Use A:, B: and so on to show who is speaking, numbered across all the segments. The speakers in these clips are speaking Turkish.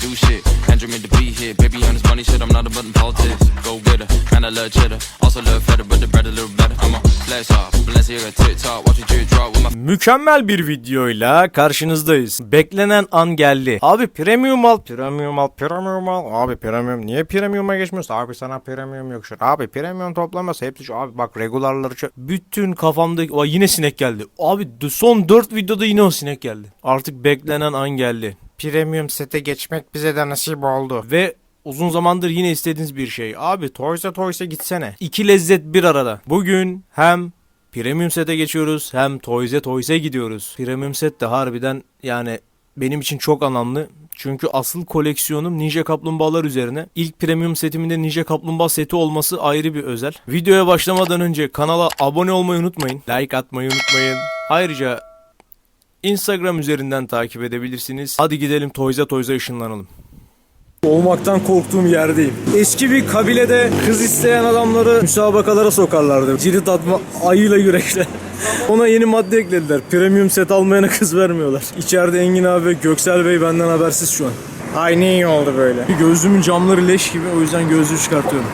A: do shit. Andrew made the beat hit. Baby on this money shit, I'm not about them politics. Go get her, and I love cheddar. Also love feta, but the bread a little better. I'm a flash off, Balenciaga TikTok. Watch a drip drop with my...
B: Mükemmel bir videoyla karşınızdayız. Beklenen an geldi. Abi premium al. Premium al. Premium al. Abi premium. Niye premium'a geçmiyorsun? Abi sana premium yok şu. Abi premium toplaması hepsi şu. Abi bak regularları şu. Bütün kafamdaki... Aa, yine sinek geldi. Abi son 4 videoda yine o sinek geldi. Artık beklenen an geldi. Premium sete geçmek bize de nasip oldu. Ve uzun zamandır yine istediğiniz bir şey. Abi Toys'a gitsene. İki lezzet bir arada. Bugün hem Premium sete geçiyoruz hem Toys'a gidiyoruz. Premium set de harbiden yani benim için çok anlamlı. Çünkü asıl koleksiyonum Ninja Kaplumbağalar üzerine. İlk premium setimin de Ninja Kaplumbağa seti olması ayrı bir özel. Videoya başlamadan önce kanala abone olmayı unutmayın. Like atmayı unutmayın. Ayrıca Instagram üzerinden takip edebilirsiniz. Hadi gidelim Toys'a ışınlanalım. Olmaktan korktuğum yerdeyim. Eski bir kabilede kız isteyen adamları müsabakalara sokarlardı. Cirit atma ayıyla yürekle. Ona yeni madde eklediler. Premium set almayana kız vermiyorlar. İçeride Engin abi ve Göksel Bey benden habersiz şu an. Ay ne iyi oldu böyle. Gözlüğümün camları leş gibi, o yüzden gözlüğü çıkartıyorum.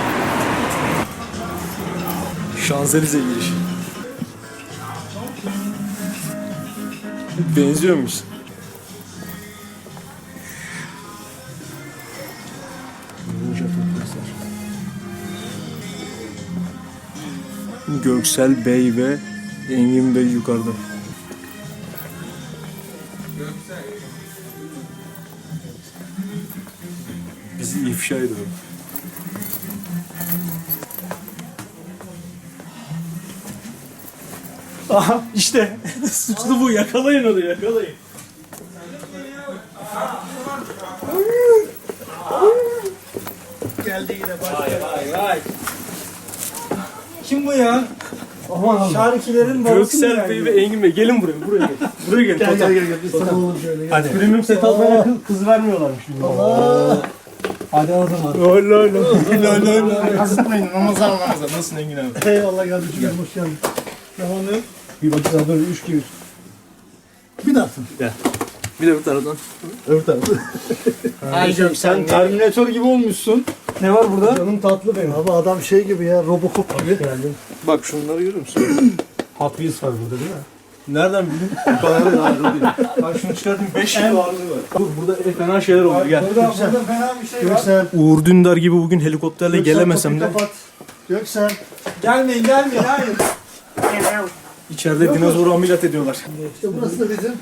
B: Şanzelize giriş. Benziyormuş. Göksel Bey ve Engin Bey yukarıda. Bizi ifşa ediyor. Aha işte suçlu bu, yakalayın onu, yakalayın.
C: Geldi yine başka.
B: Vay.
C: Kim bu ya?
B: Aman Allah.
C: Şarkilerin babası mı
B: Göksel Bey ve Engin Bey gelin buraya gel. Buraya gel.
C: Gel. Biz sana oğlum şöyle.
B: Hadi. Premium set almaya kız vermiyorlarmış.
C: Hadi o zaman.
B: Lol. Kasıtmayın. Ramazan. Nasılsın Engin abi?
C: Eyvallah kardeşim. Hoş geldin. Tamam ne?
B: Bir bakacağız böyle 3 gibi.
C: Bir daha.
B: Bir de bu taraftan.
C: Öbür tarafı.
B: Ay
C: Sen Terminator gibi olmuşsun. Ne var burada?
B: Canım tatlı benim.
C: Abi adam şey gibi ya, Robocop gibi.
B: Bak şunları görüyor musun?
C: Hot Wheels var burada değil mi?
B: Nereden bildin? Bu kadar da ağırlı değil. Bak şunu çıkartayım 5 kilo ağırlığı var. Dur burada fena şeyler oluyor gel.
C: Burada fena bir şey var. Göksel.
B: Uğur Dündar gibi bugün helikopterle gelemesem de.
C: Kapat. Göksel.
D: Gelmeyin hayır.
B: İçeride dinozoru ameliyat ediyorlar.
C: İşte burası da bizim.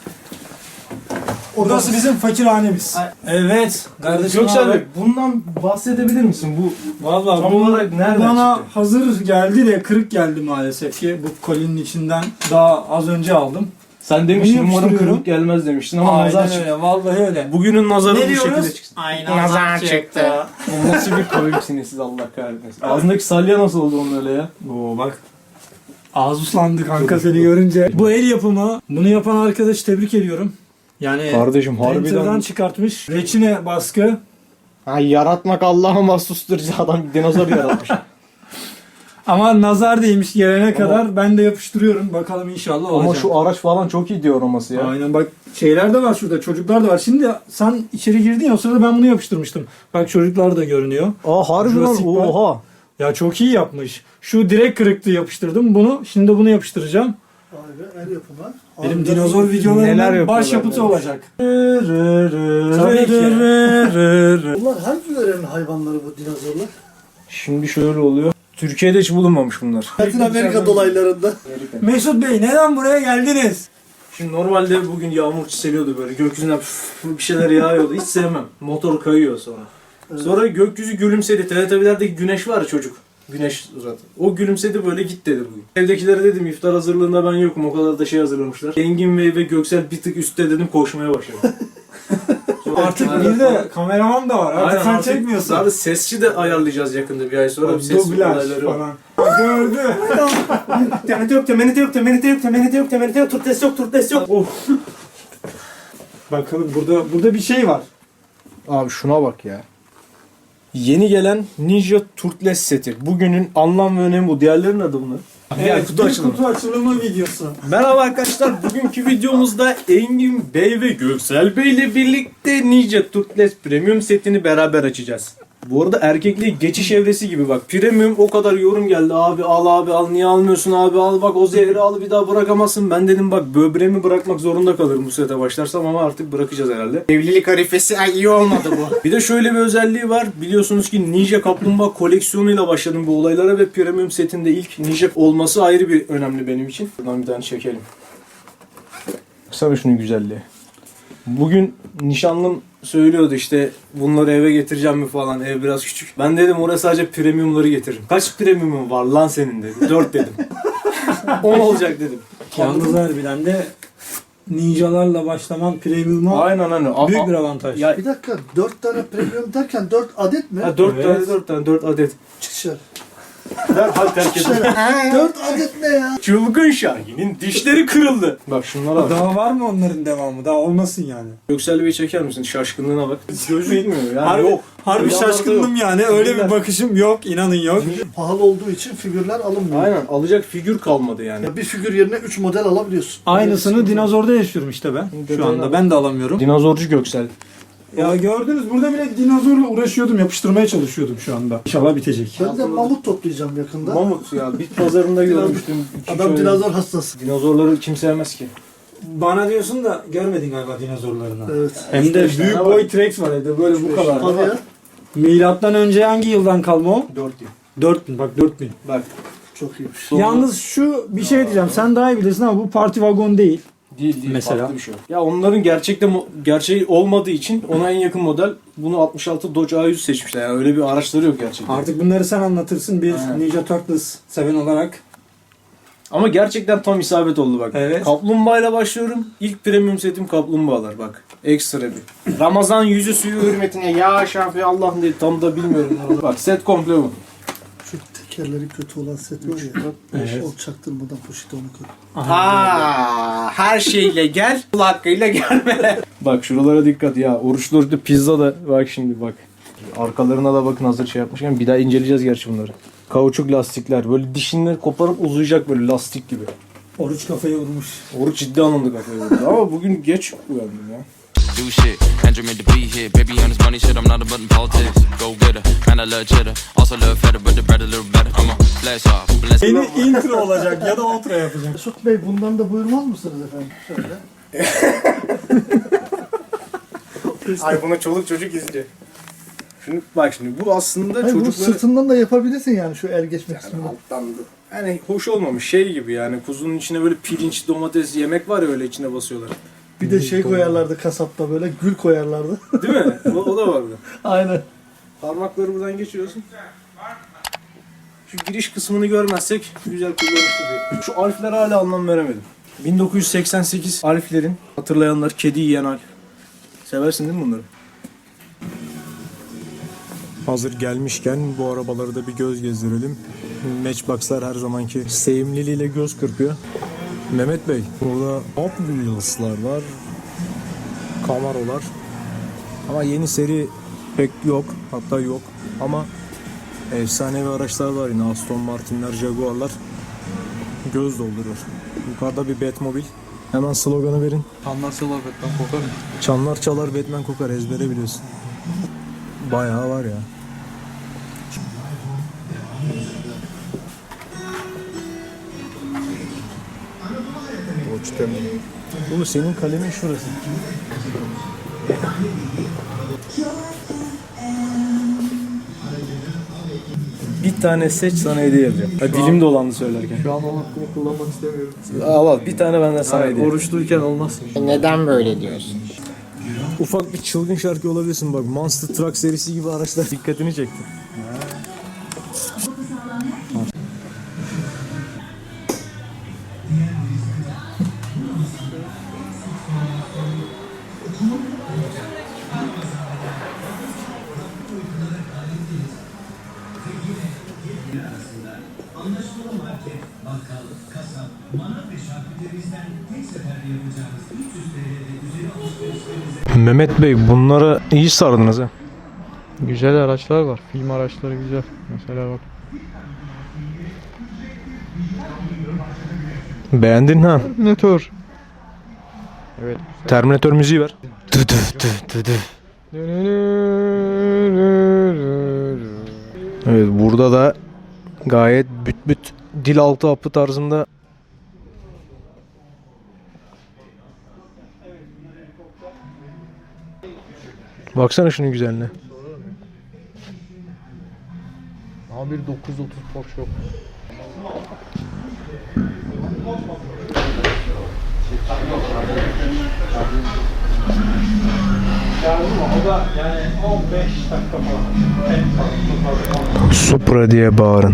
D: Burası bizim fakirhanemiz.
B: Evet.
D: Kardeşim
B: Göksel
D: abi.
B: Bey bundan bahsedebilir misin? Bu
D: Vallahi
B: tam olarak nereden
D: bana
B: çıktı?
D: hazır geldi de kırık geldi maalesef ki. Bu kolinin içinden daha az önce aldım.
B: Sen demiştin
D: Bunu
B: umarım
D: yapıştırıyorum.
B: kırık gelmez demiştin ama nazar
D: Aynen
B: çıktı.
D: öyle, vallahi öyle.
B: Bugünün nazarı
D: Ne
B: bu şekilde
D: diyoruz?
B: çıksın.
D: Aynen nazar çıktı.
B: O nasıl bir koyumsiniz siz Allah kahretmesin. Ağzındaki salya nasıl oldu onun öyle ya?
D: Oo bak. Ağız uslandı kanka seni görünce. Bu el yapımı. Bunu yapan arkadaşı tebrik ediyorum. Yani
B: Kardeşim
D: printer'dan çıkartmış. Reçine baskı.
B: Ay yaratmak Allah'a mahsustur. Adam dinozor yaratmış.
D: Ama nazar değmiş gelene kadar ben de yapıştırıyorum. Bakalım inşallah olacak.
B: Ama şu araç falan çok iyi diyor aroması ya.
D: Aynen bak şeyler de var şurada, çocuklar da var. Şimdi sen içeri girdin ya, o sırada ben bunu yapıştırmıştım. Bak çocuklar da görünüyor.
B: Aa harbi lan,
D: Jurassic Park.
B: oha.
D: Ya çok iyi yapmış. Şu direkt kırıktı, yapıştırdım bunu. Şimdi bunu yapıştıracağım.
C: Abi el yapımı.
D: Benim
C: Abi,
D: dinozor
B: neler
D: videolarımın
B: yapıyorlar
D: başyapıtı
B: böyle.
D: olacak. Tabii ki.
C: Bunlar hangi yörenin hayvanları bu dinozorlar?
B: Şimdi şöyle oluyor. Türkiye'de hiç bulunmamış bunlar.
C: Latin Amerika dolaylarında.
D: Mesut Bey neden buraya geldiniz?
B: Şimdi normalde bugün yağmur çiseliyordu böyle. Gökyüzünden bir şeyler yağıyordu. Hiç sevmem. Motor kayıyor sonra. Sonra gökyüzü gülümsedi. Teletubbies'lerdeki güneş var ya çocuk. Güneş suratı. O gülümsedi böyle git dedi bugün. Evdekilere dedim iftar hazırlığında ben yokum. O kadar da şey hazırlamışlar. Engin Bey ve Göksel bir tık üstte dedim koşmaya başladı.
D: Artık bir de kameraman da var. Artık sen çekmiyorsun.
B: Abi sesçi de ayarlayacağız yakında bir ay sonra. Bir ses
D: Dublaj
B: olayları var.
D: falan. Gördü.
B: Turtes yok. Of.
D: Bakalım burada bir şey var.
B: Abi şuna bak ya. Yeni gelen Ninja Turtles seti. Bugünün anlam ve önemi bu. Diğerlerinin adı bunlar.
D: Evet,
B: kutu
D: bir
B: açılımı.
D: kutu açılımı videosu.
B: Merhaba arkadaşlar. Bugünkü videomuzda Engin Bey ve Göksel Bey ile birlikte Ninja Turtles Premium setini beraber açacağız. Bu arada erkekliğe geçiş evresi gibi bak. Premium o kadar yorum geldi. Abi al niye almıyorsun abi al bak o zehri al bir daha bırakamazsın. Ben dedim bak böbreğimi bırakmak zorunda kalırım bu sete başlarsam ama artık bırakacağız herhalde. Evlilik harifesi iyi olmadı bu. Bir de şöyle bir özelliği var. Biliyorsunuz ki Ninja Kaplumbağa koleksiyonuyla başladım bu olaylara ve Premium setinde ilk Ninja olması ayrı bir önemli benim için. Buradan bir tane çekelim. Baksana şunun güzelliği. Bugün nişanlım söylüyordu işte bunları eve getireceğim mi falan, ev biraz küçük. Ben dedim oraya sadece premiumları getiririm. Kaç premiumum var lan senin dedi. 4 dedim. 10 olacak dedim.
D: Yalnız harbiden de ninjalarla başlaman premium'a
B: Aynen.
D: büyük bir avantaj.
B: Ya,
C: Bir dakika 4 tane premium derken 4 adet mi?
B: 4
D: Evet.
B: tane 4 adet.
C: Çık dışarı.
B: Derhal terk edin.
C: 4 adet ne ya?
B: Çılgın Şahin'in dişleri kırıldı. Bak şunlara bak.
D: Daha var mı onların devamı? Daha olmasın yani.
B: Göksel Bey çeker misin? Şaşkınlığına bak. Gözü gitmiyor yani
D: Harbi,
B: yok.
D: harbi
B: Rüyalarda
D: şaşkındım
B: yok.
D: yani. Öyle
B: Figürler.
D: bir bakışım yok. İnanın yok.
C: Pahalı olduğu için figürler alınmıyor.
B: Aynen alacak figür kalmadı yani.
C: Ya bir figür yerine 3 model alabiliyorsun.
D: Aynısını dinozorda yaşıyorum işte ben. Şu anda ben de alamıyorum.
B: Dinozorcu Göksel.
D: Ya gördünüz burada bile dinozorla uğraşıyordum. Yapıştırmaya çalışıyordum şu anda. İnşallah bitecek.
C: Ben de mamut toplayacağım yakında.
B: Mamut ya bit pazarında görmüştüm.
C: Adam dinozor hastası.
B: Dinozorları kim sevmez ki?
D: Bana diyorsun da görmedin galiba dinozorlarını.
C: Evet.
D: Hem de
B: İşte
D: büyük
B: ne
D: boy
B: var?
D: T-Rex var evde böyle bu kadar.
C: Hadi ya.
D: Milattan önce hangi yıldan kalma o?
B: 4 yıl.
D: 4000 bak 4000.
B: Bak.
C: Çok iyiymiş.
D: Yalnız şu bir şey diyeceğim. Sen daha iyi bilirsin ama bu parti vagon değil.
B: Değil
D: Mesela?
B: farklı bir şey. Ya onların gerçeği olmadığı için ona en yakın model bunu 66 Dodge A100 seçmişler. Yani öyle bir araçları yok gerçekten.
D: Artık bunları sen anlatırsın bir
B: Aynen.
D: Ninja Turtles seven olarak.
B: Ama gerçekten tam isabet oldu bak.
D: Evet.
B: Kaplumbağayla başlıyorum. İlk premium setim kaplumbağalar bak. Ekstra bir. Ramazan yüzü suyu hürmetine ya şafi Allah'ım diye tam da bilmiyorum. Bak set komple bu.
C: Şu tekerleri kötü olan set var ya.
D: Evet.
C: O çaktırmadan poşete onu koy.
B: Her şeyle gel, kul hakkıyla gelme. Bak şuralara dikkat ya. Oruçlu pizza da bak şimdi bak. Arkalarına da bakın hazır şey yapmışken bir daha inceleyeceğiz gerçi bunları. Kauçuk lastikler böyle dişini koparıp uzayacak böyle lastik gibi.
D: Oruç kafayı vurmuş.
B: Oruç ciddi anlamda kafaya vurdu ama bugün geç uyandım ya.
A: Do shit, Andrew meant to be here. Baby on this money shit, I'm not a button politics. Go get her, man, I love cheddar. Also love feta, but the bread a little better. I'm a blast off, bless
D: Yeni intro olacak ya da outro yapacak.
C: Mesut Bey bundan da buyurmaz mısınız efendim? Şöyle.
B: Ay buna çoluk çocuk izliyor. Şimdi bak şimdi bu aslında
C: Hayır, bunu
B: çocukları
C: sırtından da yapabilirsin yani şu el geçmek kısmını.
B: alttan yani hoş olmamış şey gibi yani kuzunun içine böyle pirinç domates yemek var ya öyle içine basıyorlar.
C: Bir de şey koyarlardı kasapta böyle gül koyarlardı.
B: Değil mi? O da vardı.
C: Aynen.
B: Parmakları buradan geçiriyorsun. Şu giriş kısmını görmezsek güzel kullanışlı bir. Şu alflere hala anlam veremedim. 1988 alflerin hatırlayanlar kedi yiyen alf. Seversin değil mi bunları?
E: Hazır gelmişken bu arabaları da bir göz gezdirelim. Matchbox'lar her zamanki sevimliliğiyle göz kırpıyor. Mehmet Bey, burada Hot Wheels'lar var. Camaro'lar. Ama yeni seri pek yok. Hatta yok. Ama efsanevi araçlar var yine. Aston Martin'ler, Jaguar'lar. Göz dolduruyor. Yukarıda bir Batmobile. Hemen sloganı verin.
F: Çanlar çalar Batman kokar mı?
E: Çanlar çalar Batman kokar, ezbere biliyorsun. Bayağı var ya. Bu senin kalemin şurası.
B: Bir tane seç sana hediye yapacağım. Ha, dilim dolandı söylerken.
F: Şu an o hakkımı kullanmak istemiyorum.
B: Al bir tane benden sana hediye.
F: Oruçluyken olmaz.
G: Neden böyle diyorsun?
E: Ufak bir çılgın şarkı olabilirsin bak. Monster Truck serisi gibi araçlar dikkatini çekti. Mehmet Bey bunlara iyi sardınız ha.
F: Güzel araçlar var. Film araçları güzel. Mesela bak.
E: Beğendin ha?
F: Terminator.
E: Terminator müziği ver. Evet, burada da gayet büt büt dil altı apı tarzında. Baksana şunun güzelliğine.
F: A1 930 Porsche yok.
E: Supra diye bağırın.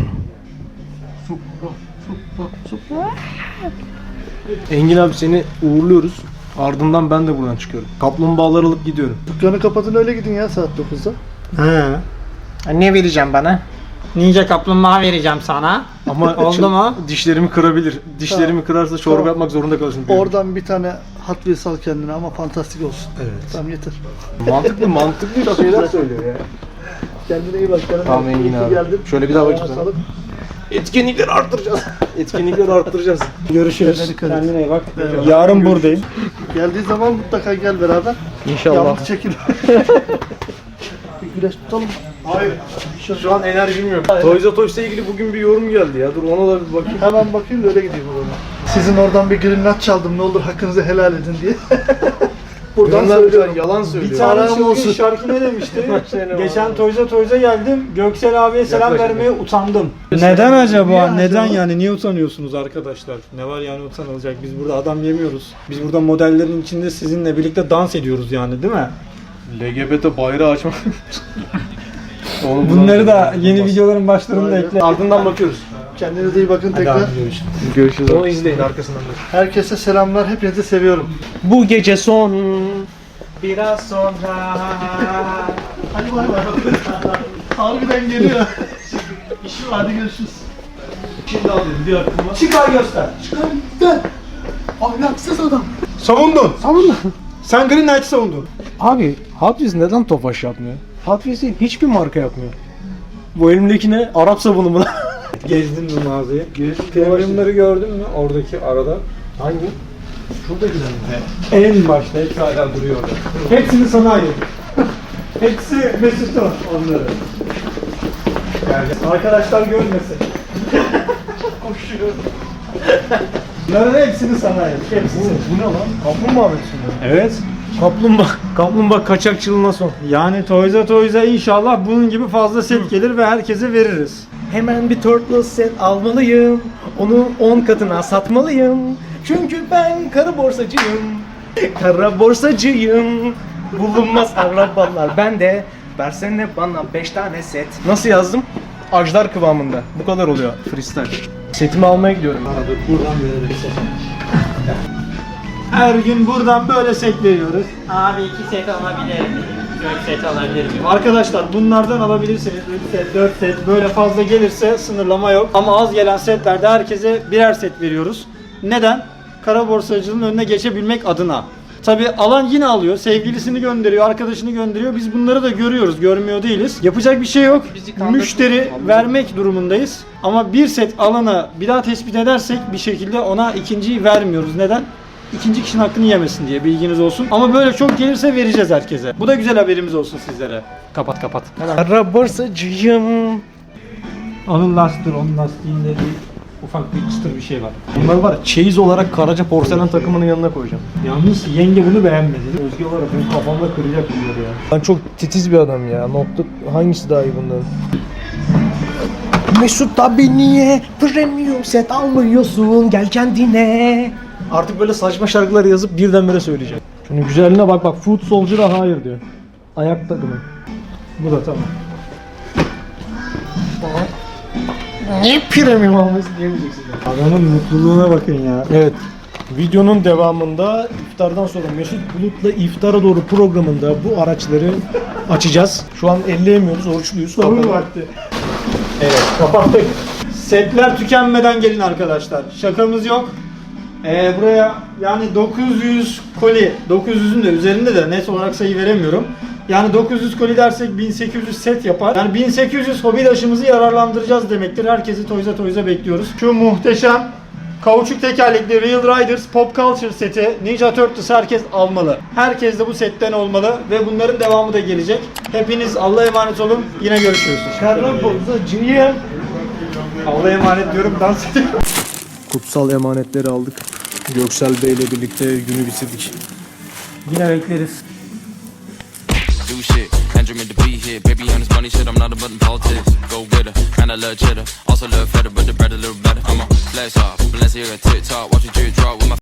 E: Engin abi, seni uğurluyoruz. Ardından ben de buradan çıkıyorum. Kaplumbağaları alıp gidiyorum.
C: Dükkanı kapatın öyle gidin ya saat 9'da.
D: He.
B: Ne vereceğim bana?
D: Ninja kaplumbağa vereceğim sana.
E: Ama
D: Oldu mu?
E: dişlerimi kırabilir. Dişlerimi kırarsa çorba
C: Tamam.
E: yapmak zorunda kalırsın.
C: Oradan bir tane Hot Wheels al kendine ama fantastik olsun. Evet. Tamam yeter.
E: Mantıklı şeyler söylüyor ya.
C: Kendine iyi bak.
E: Tamam Engin abi.
C: Geldin.
E: Şöyle bir daha bakayım sana.
C: Sağlık.
E: Etkinlikleri arttıracağız. Etkinlikleri arttıracağız.
D: Görüşürüz.
C: Dikkat et.
D: Kendine iyi bak.
C: Evet.
D: Yarın buradayım.
C: Geldiği zaman mutlaka gel beraber.
E: İnşallah.
C: Yalnız çekil. Bir güneş tutalım.
E: Hayır. Şu an enerjim yok. Toys R Us'la ilgili bugün bir yorum geldi ya. Dur ona da bir bakayım.
C: Hemen bakayım da öyle gideyim o zaman. Sizin oradan bir green nut çaldım, ne olur hakkınızı helal edin diye. Buradan söylüyorum.
E: Yalan söylüyor.
D: Bir tane
C: Param olsun.
D: şarkı ne demişti?
E: Sene
D: Geçen Toys'a geldim. Göksel abiye selam vermeye utandım. Neden acaba? Neden yani? Niye utanıyorsunuz arkadaşlar? Ne var yani utanılacak? Biz burada adam yemiyoruz. Biz burada modellerin içinde sizinle birlikte dans ediyoruz yani, değil mi?
E: LGBT bayrağı açmak.
D: Bunları da yeni videoların başlarında ekle.
E: Ardından bakıyoruz.
C: Kendinize iyi bakın tekrar.
E: Görüşürüz. Onu izleyin arkasından da.
C: Herkese selamlar, hepinizi seviyorum.
E: Bu gece son. Biraz sonra.
C: Hadi bay bay. Harbiden geliyor. Hadi görüşürüz.
E: Şimdi alayım bir aklıma.
D: Çıkar göster.
C: Çıkar gel. Ahlaksız adam.
D: Savundun. Sen Green Knight'ı savundun.
E: Abi Hot Wheels neden Tofaş yapmıyor? Hot Wheels'i hiçbir marka yapmıyor. Bu elimdeki ne? Arap sabunu mu lan?
D: Gezdin mi mağazayı? Premiumları gördün mü oradaki arada?
E: Hangi? Şurada güzel.
D: En başta hepsi hala duruyor orada. Hepsini sana ayırdım. Hepsi Mesut'un onları. Yani arkadaşlar görmesin. Koşuyor. Bunların hepsini sana ayırdım. Hepsini.
E: Bu ne lan? Kaplumbağa versiyonu.
D: Evet.
E: Kaplumbağa kaçakçılığına son.
D: Yani Toys'a inşallah bunun gibi fazla set gelir ve herkese veririz.
B: Hemen bir turtle set almalıyım. Onu 10 katına satmalıyım. Çünkü ben kara borsacıyım. Kara borsacıyım. Bulunmaz arabalar bende. Versene bana 5 tane set.
E: Nasıl yazdım? Ajdar kıvamında. Bu kadar oluyor freestyle. Setimi almaya gidiyorum.
D: Buradan veririz. Her gün buradan böyle set veriyoruz.
G: Abi 2 set alabilir miyim? 4 set alabilir miyim?
D: Arkadaşlar bunlardan alabilirsiniz. 3 set, 4 set böyle fazla gelirse sınırlama yok. Ama az gelen setlerde herkese birer set veriyoruz. Neden? Kara borsacılığın önüne geçebilmek adına. Tabi alan yine alıyor, sevgilisini gönderiyor, arkadaşını gönderiyor. Biz bunları da görüyoruz, görmüyor değiliz. Yapacak bir şey yok. Müşteri vermek durumundayız. Ama bir set alana bir daha tespit edersek bir şekilde ona ikinciyi vermiyoruz. Neden? İkinci kişinin hakkını yemesin diye, bilginiz olsun. Ama böyle çok gelirse vereceğiz herkese. Bu da güzel haberimiz olsun sizlere. Kapat.
B: Kara borsacıyım.
D: Onun lastiğinde bir ufak bir çıtır bir şey var.
E: Bunlar var ya, çeyiz olarak Karaca porselen takımının yanına koyacağım.
D: Yalnız yenge bunu beğenmedi.
E: Özge var ya, benim kafamda kıracak bunları ya. Ben çok titiz bir adam ya. Nokta hangisi daha iyi bunların?
B: Mesut abi niye premium set almıyorsun? Gel kendine.
E: Artık böyle saçma şarkıları yazıp birdenbire söyleyeceğim. Şunun güzelliğine bak, Foot Soldier'a hayır diyor. Ayak takımı.
D: Bu da tamam.
B: Niye premium almıyorsun diyemeyeceksin.
D: Adamın mutluluğuna bakın ya.
E: Evet. Videonun devamında iftardan sonra Mesut Bulut'la iftara doğru programında bu araçları açacağız. Şu an elleyemiyoruz, oruçluyuz.
D: Sorun vakti. Evet, kapattık. Setler tükenmeden gelin arkadaşlar. Şakamız yok. Buraya yani 900 koli, 900'ün de üzerinde de net olarak sayı veremiyorum. Yani 900 koli dersek 1800 set yapar. Yani 1800 hobidaşımızı yararlandıracağız demektir. Herkesi Toys'a bekliyoruz. Şu muhteşem Kauçuk tekerlekli Real Riders Pop Culture seti Ninja Turtles herkes almalı. Herkes de bu setten olmalı ve bunların devamı da gelecek. Hepiniz Allah'a emanet olun. Yine görüşürüz.
C: Junior.
D: Allah'a emanet diyorum, dans ediyorum.
E: Kutsal emanetleri aldık. Göksel Bey ile birlikte günü bitirdik.
D: Yine bekleriz.
A: Do shit. Andrew meant to be here. Baby on this money shit, I'm not a button politics. Go get her, and I love cheddar. Also love feta, but the bread a little better. I'm a flex off, Balenciaga TikTok. Watch a drip drop with my